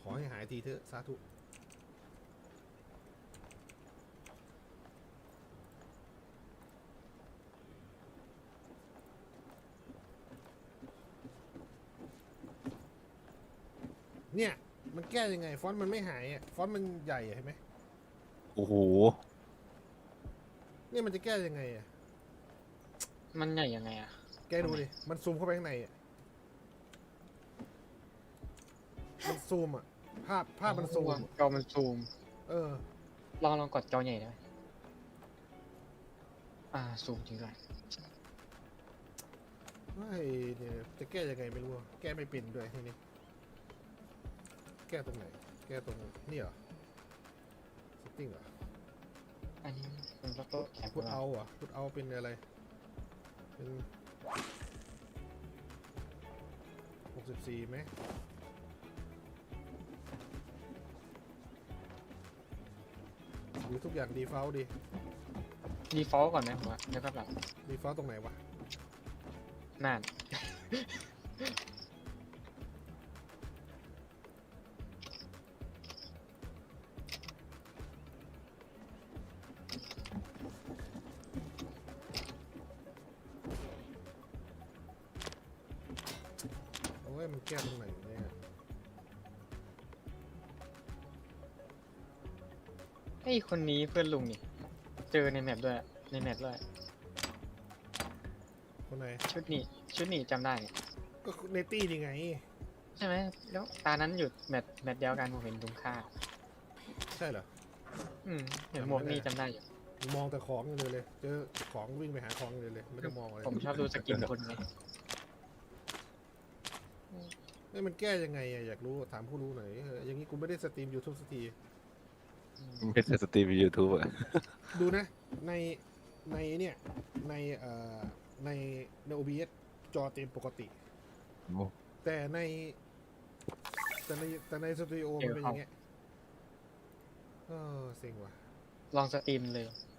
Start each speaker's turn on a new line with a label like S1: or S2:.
S1: อให้หายทีเถอะสาธุเนี่ยมันแก้ยังไงฟอนต์มันไม่หายอ่ะฟอนต์มันใหญ่เห็นไหม
S2: โอ้โห
S1: เนี่ยมันจะแก้ยังไงอ่ะ
S3: มันใหญ่ยังไงอะ
S1: แกดูดิมันซูมเข้าไปข้างในอ่ะมันซูมอ่ะภาพมันซูมอะ
S3: จอมันซูม
S1: เออ
S3: ลองกดจอใหญ่ได้ไหมซูมจริงด้วย
S1: ไม่เนี่ยจะแก้ยังไงไม่รู้อะแก้ไม่เป็นด้วยทีนี้แก้ตรงไหนแก้ตรงนี่เหรอเซตติ้งเหรอ
S3: อันนี้เป็นโต๊ะแคป
S1: พุทเอาเหรอพุทเอาเป็นอะไรเป็น64ไหมหรือทุกอย่างดีเฟลต์ดิ
S3: ดีฟอลต์ก่อนไหมผมว่าแล้วก็แบบ
S1: ดีเฟลต์ตรงไหนวะ
S3: นั่น
S1: โอ้ยมันแก้ตรงไหนเนี่ย
S3: ไอ้คนนี้เพื่อนลุงนี่ เจอในแมปด้วยในแมปด้วย
S1: คนไหน
S3: ชุดนี้จำได้เนี่ย
S1: ก็ในตี้นี่ไง
S3: ใช่ไหมแล้วตานั้นหยุดแมปเดียวกันผมเห็นลุงค่า
S1: ใช่เหรอ
S3: เห็นหมวกนี่จำได้อยู่
S1: มองแต่ของอย่างเดียวเลย เจอของวิ่งไปหาของอย่างเดียวเลย ไม่ต้องมองอะไร
S3: ผมชอบดูสกินคนไง
S1: เฮ้ยมันแก้ยังไงอะอยากรู้ถามผู้รู้หน่อยอย่างนี้กูไม่ได้สตรีม YouTube สักที
S2: ไม่ใช่สตรีมยูทูบอะ
S1: ดูนะ ในเนี่ยในในใน OBS จอเต็มปกติ แต่ในสตูดิโอมันเป็นอย่างเงี้ยเออเซ็งว่ะ
S3: ลองสตรีมเลย